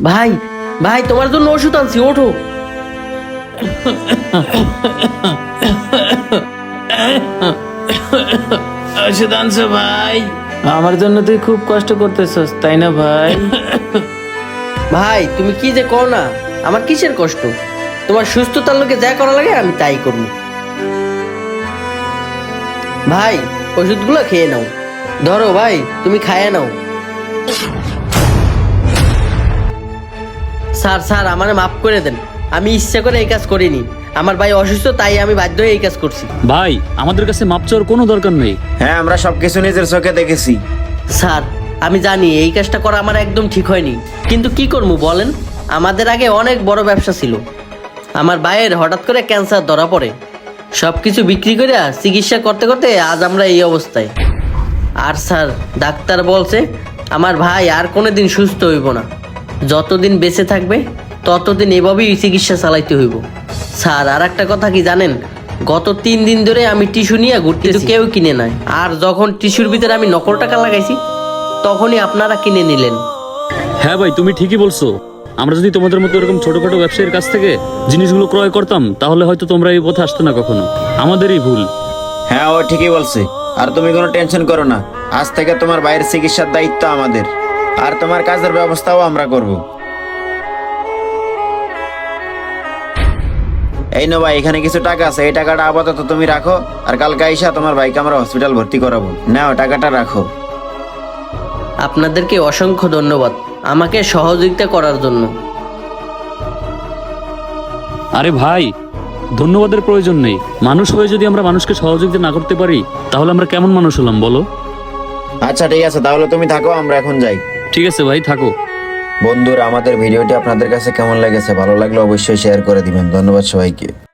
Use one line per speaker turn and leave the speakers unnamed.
ভাই ভাই তোমার জন্য ওষুধ আনছি, ওঠো।
ওষুধ আনছো ভাই?
আমার জন্য তুই খুব কষ্ট করতেছস তাই না ভাই?
ভাই তুমি কি যে কও না, আমার কিসের কষ্ট? তোমার সুস্থতার লোকে যা করা লাগে আমি তাই করবো। ভাই ওষুধগুলো খেয়ে নাও, ধরো ভাই তুমি খাইয়ে নাও। স্যার স্যার আমারে মাফ করে দেন, আমি ইচ্ছা করে এই কাজ করিনি। আমার ভাই অসুস্থ, তাই আমি বাধ্য হয়ে এই কাজ করছি।
ভাই আমাদের কাছে মাপ চাওয়ার কোনো দরকার নেই।
হ্যাঁ, আমরা সবকিছু নিজের চোখে দেখেছি।
স্যার আমি জানি এই কাজটা করা আমার একদম ঠিক হয়নি, কিন্তু কি করবো বলেন? আমাদের আগে অনেক বড় ব্যবসা ছিল। আমার ভাইয়ের হঠাৎ করে ক্যান্সার ধরা পড়ে, সব কিছু বিক্রি করে চিকিৎসা করতে করতে আজ আমরা এই অবস্থায়। আর স্যার ডাক্তার বলছে আমার ভাই আর কোনোদিন সুস্থ হইব না, যতদিন বেঁচে থাকবে ততদিন এভাবেই চিকিৎসা চালাইতে হইব। স্যার আর একটা কথা কি জানেন, গত 3 দিন ধরে আমি টিস্যু নিয়ে ঘুরতেছি, কেউ কিনে নাই। আর যখন টিস্যুর ভিতরে আমি নকল টাকা লাগাইছি তখনই আপনারা কিনে নিলেন।
হ্যাঁ ভাই তুমি ঠিকই বলছো, আমরা যদি তোমাদের মতো এরকম ছোটখাটো ব্যবসায়ীর কাছ থেকে জিনিসগুলো ক্রয় করতাম তাহলে হয়তো তোমরা এই পথে আসতে না কখনো। আমাদেরই ভুল।
হ্যাঁ, ও ঠিকই বলছে। আর তুমি কোনো টেনশন করো না, আজ থেকে তোমার ভাইয়ের চিকিৎসার দায়িত্ব আমাদের, আর তোমার কাজের ব্যবস্থাও আমরা করব। এই নো ভাই, এখানে কিছু টাকা আছে, এই টাকাটা আপাতত তুমি রাখো, আর কালকে আইসা তোমার ভাইকে আমরা হসপিটাল ভর্তি করাবো। নাও টাকাটা রাখো।
আপনাদেরকে অসংখ্য ধন্যবাদ আমাকে সহযোগিতা করার জন্য।
আরে ভাই ধন্যবাদের প্রয়োজন নেই। মানুষ হয়ে যদি আমরা মানুষকে সহযোগিতা না করতে পারি তাহলে আমরা কেমন মানুষ হলাম বলো?
আচ্ছা ঠিক আছে, তাহলে তুমি থাকো, আমরা এখন যাই।
ঠিক আছে ভাই, থাকো।
বন্ধুরা, আমাদের ভিডিওটি আপনাদের কাছে কেমন লেগেছে? ভালো লাগলে অবশ্যই শেয়ার করে দিবেন। ধন্যবাদ সবাইকে।